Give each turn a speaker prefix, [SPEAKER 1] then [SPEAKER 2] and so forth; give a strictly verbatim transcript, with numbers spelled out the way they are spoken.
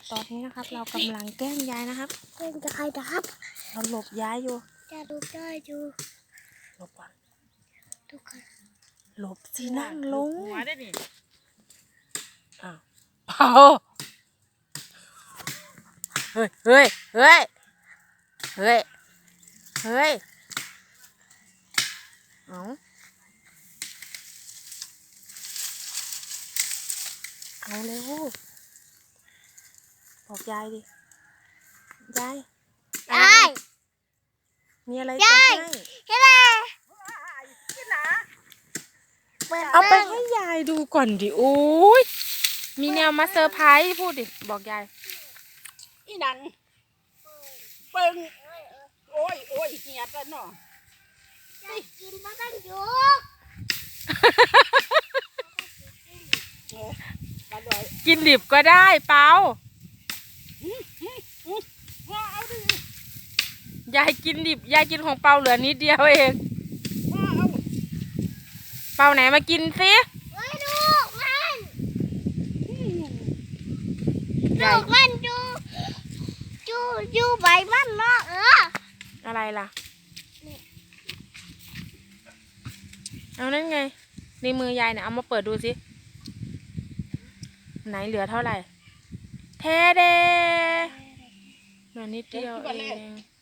[SPEAKER 1] ตอนนี้นะครับเรากำลังแกล้งยายนะครับ
[SPEAKER 2] แกล้งจะใครนะครับ
[SPEAKER 1] เราหลบยายอยู่
[SPEAKER 2] จะดูได้อยู่
[SPEAKER 1] หลบก่อน
[SPEAKER 2] ทุกคน
[SPEAKER 1] หลบสินั่งลง
[SPEAKER 3] หัวได้นี่
[SPEAKER 1] อ้าวเปล่าเฮ้ยเฮ้ยเฮ้ยเฮ้ยเฮ้ยเอาเอาเร็วบอกยายดิยาย
[SPEAKER 2] ยาย
[SPEAKER 1] มีอะไรจะให้
[SPEAKER 2] เฮ้ย
[SPEAKER 1] เอาไปให้ยายดูก่อนดิโอ้ยมีแนวมาเซอร์ไพรส์พูดดิบอกยาย
[SPEAKER 3] อีนันเปิงโอ้ยโอ้ยเหียดแล้วเนาะ
[SPEAKER 2] ยายกินมาตั้งยุก
[SPEAKER 3] มาด้วย
[SPEAKER 1] กินดิบก็ได้เปล่า
[SPEAKER 3] เอาดิ
[SPEAKER 1] ยายกินดิบยายกินของเปาเหลือนิดเดียวเอง
[SPEAKER 3] เอา
[SPEAKER 1] เปาไหนมากินสิ
[SPEAKER 2] เฮ้ยลูกมันลู
[SPEAKER 1] ยาย
[SPEAKER 2] กมันจูจูจูใบมันเนาะเออ
[SPEAKER 1] อะไรล่ะเอานั่นไงในมือยายเนี่ยเอามาเปิดดูสิไหนเหลือเท่าไหร่เทเดเหลือนิดเดียวเอง